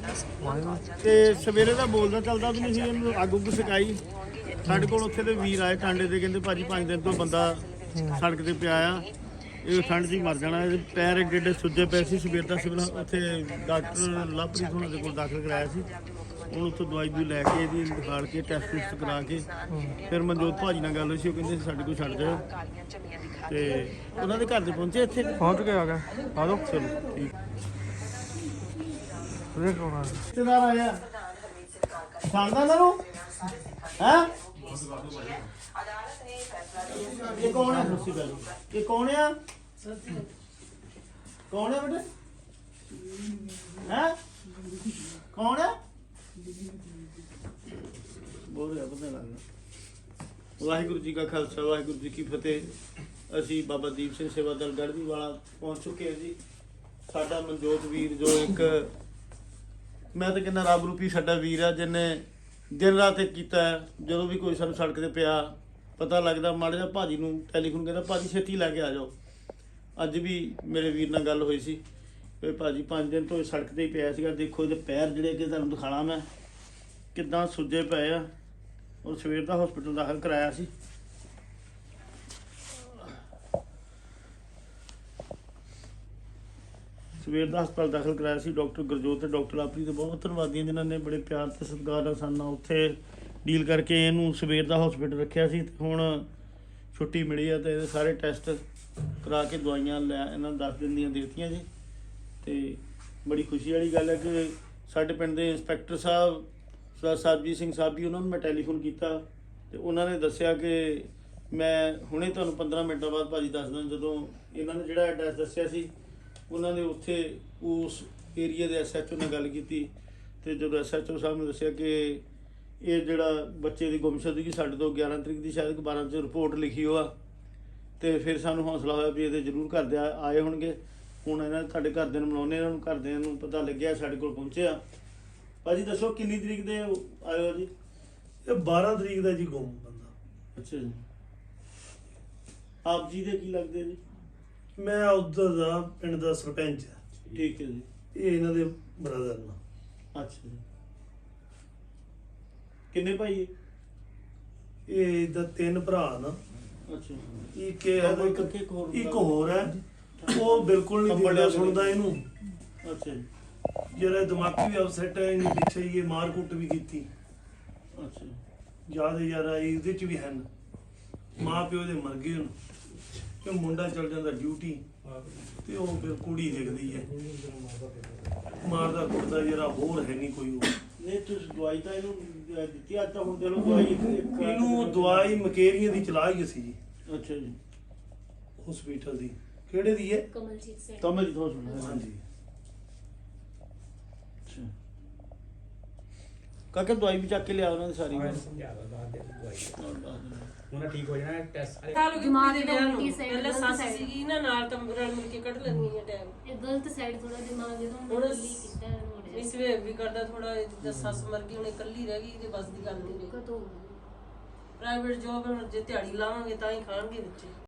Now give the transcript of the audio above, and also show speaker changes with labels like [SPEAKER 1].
[SPEAKER 1] ਤੇ ਸਵੇਰੇ ਦਾ ਬੋਲਦਾ ਚੱਲਦਾ ਵੀ ਨਹੀਂ ਸੀ, ਇਹਨੂੰ ਅੱਗ ਉੱਗ ਸਿਕਾਈ। ਸਾਡੇ ਕੋਲ ਉੱਥੇ ਦੇ ਵੀਰ ਆਏ ਟਾਂਡੇ ਦੇ, ਕਹਿੰਦੇ ਭਾਜੀ 5 ਦਿਨ ਤੋਂ ਬੰਦਾ ਸੜਕ ਤੇ ਪਿਆ ਆ, ਇਹ ਠੰਡ 'ਚ ਹੀ ਮਰ ਜਾਣਾ। ਇਹਦੇ ਪੈਰ ਏਡੇ ਏਡੇ ਸੁੱਜੇ ਪਏ ਸੀ। ਸਵੇਰ ਦਾ ਸਿਵਲ ਉੱਥੇ ਡਾਕਟਰ ਲਵਪ੍ਰੀਤ ਉਹਨਾਂ ਦੇ ਕੋਲ ਦਾਖਲ ਕਰਾਇਆ ਸੀ। ਹੁਣ ਉੱਥੋਂ ਦਵਾਈ ਦੂਈ ਲੈ ਕੇ ਇਹਦੀ ਦਿਖਾੜ ਕੇ ਟੈਸਟ ਟੂਸਟ ਕਰਾ ਕੇ ਫਿਰ ਮਨਜੋਤ ਭਾਜੀ ਨਾਲ ਗੱਲ ਹੋਈ ਸੀ। ਉਹ ਕਹਿੰਦੇ ਸਾਡੇ ਕੋਲ ਛੱਡ ਜਾਓ, ਤੇ ਉਹਨਾਂ ਦੇ ਘਰ ਦੇ ਪਹੁੰਚੇ, ਇੱਥੇ
[SPEAKER 2] ਪਹੁੰਚ ਕੇ ਆ ਗਿਆ। ਆ ਜਾਓ।
[SPEAKER 1] ਚਲੋ ਠੀਕ।
[SPEAKER 2] ਰਿਸ਼ਤੇਦਾਰ
[SPEAKER 1] ਆਇਆ ਜਾਣਦਾ ਇਹਨਾਂ ਨੂੰ ਹੈ? ਇਹ ਕੌਣ ਹੈ? ਸੱਸੀ ਗੱਲ ਇਹ ਕੌਣ ਆ? ਕੌਣ ਹੈ ਬੇਟੇ? ਹੈ ਕੌਣ ਹੈ? ਬੋਲ ਰਿਹਾ ਪਤਾ ਲੱਗਦਾ। ਵਾਹਿਗੁਰੂ ਜੀ ਕਾ ਖਾਲਸਾ, ਵਾਹਿਗੁਰੂ ਜੀ ਕੀ ਫਤਿਹ। ਅਸੀਂ ਬਾਬਾ ਦੀਪ ਸਿੰਘ ਸੇਵਾ ਦਲ ਗੜ੍ਹਦੀ ਵਾਲਾ ਪਹੁੰਚ ਚੁੱਕੇ ਹਾਂ ਜੀ। ਸਾਡਾ ਮਨਜੋਤ ਵੀਰ ਜੋ ਇੱਕ, ਮੈਂ ਤਾਂ ਕਹਿੰਦਾ ਰੱਬ ਰੂਪੀ ਸਾਡਾ ਵੀਰ ਆ, ਜਿਹਨੇ ਦਿਨ ਰਾਤ ਇੱਕ ਕੀਤਾ। ਜਦੋਂ ਵੀ ਕੋਈ ਸਾਨੂੰ ਸੜਕ 'ਤੇ ਪਿਆ ਪਤਾ ਲੱਗਦਾ, ਮਾੜਾ ਜਿਹਾ ਭਾਜੀ ਨੂੰ ਟੈਲੀਫੋਨ ਕਹਿੰਦਾ ਭਾਜੀ ਛੇਤੀ ਲੈ ਕੇ ਆ ਜਾਓ। ਅੱਜ ਵੀ ਮੇਰੇ ਵੀਰ ਨਾਲ ਗੱਲ ਹੋਈ ਸੀ ਕਿ ਭਾਜੀ 5 ਦਿਨ ਤੋਂ ਸੜਕ 'ਤੇ ਹੀ ਪਿਆ ਸੀਗਾ। ਦੇਖੋ ਇਹਦੇ ਪੈਰ ਜਿਹੜੇ ਕਿ ਤੁਹਾਨੂੰ ਦਿਖਾਣਾ ਮੈਂ ਕਿੱਦਾਂ ਸੁੱਜੇ ਪਏ ਆ, ਔਰ ਸਵੇਰ ਦਾ ਹਸਪੀਟਲ ਦਾਖਲ ਕਰਾਇਆ ਸੀ। ਸਵੇਰ ਦਾ ਹਸਪਤਾਲ ਦਾਖਲ ਕਰਾਇਆ ਸੀ। ਡਾਕਟਰ ਗੁਰਜੋਤ ਤੇ ਡਾਕਟਰ ਲਵਪ੍ਰੀਤ ਦੇ ਬਹੁਤ ਧੰਨਵਾਦੀ, ਜਿਨ੍ਹਾਂ ਨੇ ਬੜੇ ਪਿਆਰ ਤੇ ਸਤਿਕਾਰ ਨਾਲ ਸਾਡੇ ਨਾਲ ਉੱਥੇ ਡੀਲ ਕਰਕੇ ਇਹਨੂੰ ਸਵੇਰ ਦਾ ਹਸਪੀਟਲ ਰੱਖਿਆ ਸੀ। ਹੁਣ ਛੁੱਟੀ ਮਿਲੀ ਆ ਤੇ ਇਹਦੇ ਸਾਰੇ ਟੈਸਟ ਕਰਾ ਕੇ ਦਵਾਈਆਂ ਲੈ ਇਹਨਾਂ ਨੂੰ 10 ਦਿਨ ਦੀਆਂ ਦੇ ਦਿੱਤੀਆਂ ਜੀ। ਤੇ ਬੜੀ ਖੁਸ਼ੀ ਵਾਲੀ ਗੱਲ ਹੈ ਕਿ ਸਾਡੇ ਪਿੰਡ ਦੇ ਇੰਸਪੈਕਟਰ ਸਾਹਿਬ ਸਰਬਜੀਤ ਸਿੰਘ ਸਾਹਿਬ ਵੀ, ਉਹਨਾਂ ਨੂੰ ਮੈਂ ਟੈਲੀਫੋਨ ਕੀਤਾ ਤੇ ਉਹਨਾਂ ਨੇ ਦੱਸਿਆ ਕਿ ਮੈਂ ਹੁਣੇ ਤੁਹਾਨੂੰ 15 ਮਿੰਟਾਂ ਬਾਅਦ ਭਾਜੀ ਦੱਸਦਾ। ਜਦੋਂ ਇਹਨਾਂ ਨੇ ਜਿਹੜਾ ਐਡਰੈਸ ਦੱਸਿਆ ਸੀ, ਉਹਨਾਂ ਨੇ ਉੱਥੇ ਉਸ ਏਰੀਆ ਦੇ SHO ਨਾਲ ਗੱਲ ਕੀਤੀ ਤੇ ਜਦੋਂ SHO ਸਾਹਿਬ ਨੇ ਦੱਸਿਆ ਕਿ ਇਹ ਜਿਹੜਾ ਬੱਚੇ ਦੀ ਗੁੰਮਸ਼ੁਦਗੀ ਸਾਡੇ ਤੋਂ 11 ਤਰੀਕ ਦੀ ਸ਼ਾਇਦ 12 'ਚ ਰਿਪੋਰਟ ਲਿਖੀ ਹੋਆ, ਤੇ ਫਿਰ ਸਾਨੂੰ ਹੌਸਲਾ ਹੋਇਆ ਵੀ ਇਹਦੇ ਜ਼ਰੂਰ ਘਰ ਦੇ ਆਏ ਹੋਣਗੇ। ਹੁਣ ਇਹਨਾਂ ਤੁਹਾਡੇ ਘਰਦਿਆਂ ਨੂੰ ਮਿਲਾਉਂਦੇ, ਇਹਨਾਂ ਨੂੰ ਘਰਦਿਆਂ ਨੂੰ ਪਤਾ ਲੱਗਿਆ ਸਾਡੇ ਕੋਲ ਪਹੁੰਚਿਆ। ਭਾਜੀ ਦੱਸੋ ਕਿੰਨੀ ਤਰੀਕ ਦੇ ਆਏ ਹੋ ਜੀ?
[SPEAKER 2] ਇਹ 12 ਤਰੀਕ ਦਾ ਜੀ ਗੁੰਮ ਬੰਦਾ।
[SPEAKER 1] ਅੱਛਾ ਜੀ। ਆਪ ਜੀ ਦੇ ਕੀ ਲੱਗਦੇ ਜੀ?
[SPEAKER 2] ਮੈਂ ਉੱਧਰ ਦਾ ਪਿੰਡ ਦਾ ਸਰਪੰਚ ਹਾਂ।
[SPEAKER 1] ਠੀਕ ਹੈ ਜੀ।
[SPEAKER 2] ਇਹ ਇਹਨਾਂ ਦੇ ਬ੍ਰਦਰ ਨਾਲ।
[SPEAKER 1] ਅੱਛਾ ਜੀ। ਕਿੰਨੇ ਭਾਈ?
[SPEAKER 2] ਇਹ ਦਾ 3 ਭਰਾ ਨਾ।
[SPEAKER 1] ਅੱਛਾ।
[SPEAKER 2] ਇੱਕ ਹੋਰ ਹੈ, ਉਹ ਬਿਲਕੁਲ ਨਹੀਂ ਬੜਿਆ ਸੁਣਦਾ ਇਹਨੂੰ।
[SPEAKER 1] ਅੱਛਾ ਜੀ।
[SPEAKER 2] ਜਿਹੜਾ ਦਿਮਾਗੀ ਵੀ ਅਪਸੈਟ ਹੈ, ਇਹਨੇ ਪਿੱਛੇ ਹੀ ਮਾਰ ਕੁੱਟ ਵੀ ਕੀਤੀ।
[SPEAKER 1] ਅੱਛਾ।
[SPEAKER 2] ਜ਼ਿਆਦਾ ਇਹਦੇ ਚ ਵੀ ਹਨ। ਮਾਂ ਪਿਓ ਦੇ ਮਰ ਗਏ ਹੁਣ, ਕਿ ਮੁੰਡਾ ਚਲ ਜਾਂਦਾ ਡਿਊਟੀ ਤੇ ਉਹ ਫਿਰ ਕੁੜੀ ਦਿਖਦੀ ਹੈ, ਮਾਰਦਾ ਕੁੱਟਦਾ। ਜਿਹੜਾ ਹੋਰ ਹੈ ਨਹੀਂ ਕੋਈ। ਉਹ
[SPEAKER 1] ਨਹੀਂ ਤੁਸੀਂ ਦਵਾਈ ਤਾਂ ਇਹਨੂੰ ਦਿੱਤੀ? ਅੱਜ ਤਾਂ ਹੁਣ ਦੇ ਲੋ ਦਵਾਈ।
[SPEAKER 2] ਇਹਨੂੰ ਦਵਾਈ ਮਕੇਰੀਆਂ ਦੀ ਚਲਾਈ ਅਸੀਂ ਜੀ।
[SPEAKER 1] ਅੱਛਾ ਜੀ।
[SPEAKER 2] ਹਸਪੀਟਲ ਦੀ ਕਿਹੜੇ ਦੀ ਹੈ?
[SPEAKER 1] ਕਮਲਜੀਤ ਹਸਪੀਟਲ।
[SPEAKER 2] ਹਾਂਜੀ।
[SPEAKER 1] ਅੱਛਾ ਕਾਕਾ ਦਵਾਈ ਵੀ ਚੱਕ ਕੇ ਲਿਆ ਉਹਨਾਂ ਦੀ ਸਾਰੀ।
[SPEAKER 3] ਉਹਨਾਂ ਠੀਕ ਹੋ ਜਾਣਾ। ਟੈਸਟ
[SPEAKER 4] ਦਿਮਾਗ ਦੀ ਉਲਟੀ ਸਾਈਡ
[SPEAKER 5] ਪਹਿਲਾਂ ਸੱਸ ਸੀਗੀ ਨਾ ਨਾਲ, ਤਾਂ ਰਲ ਮਿਲ ਕੇ ਕੱਢ ਲੈਂਦੀਆਂ ਟਾਈਮ।
[SPEAKER 4] ਇਹ ਗਲਤ ਸਾਈਡ ਥੋੜਾ ਦਿਮਾਗ ਜਦੋਂ
[SPEAKER 5] ਹੁਣ
[SPEAKER 4] ਹੁਣ ਕੀਤਾ
[SPEAKER 5] ਇਸ ਵੇ ਵੀ ਕਰਦਾ ਥੋੜਾ। ਜਿੱਦਾਂ ਸੱਸ ਮਰ ਗਈ, ਹੁਣ ਇਕੱਲੀ ਰਹਿ ਗਈ, ਤੇ ਬਸ ਦੀ ਗੱਲ ਨਹੀਂ ਰਹੀ।
[SPEAKER 4] ਕਦੋਂ
[SPEAKER 5] ਪ੍ਰਾਈਵੇਟ ਜੋਬ ਹੁਣ ਜੇ ਦਿਹਾੜੀ ਲਾਵਾਂਗੇ ਤਾਂ ਹੀ ਖਾਣਗੇ ਬੱਚੇ।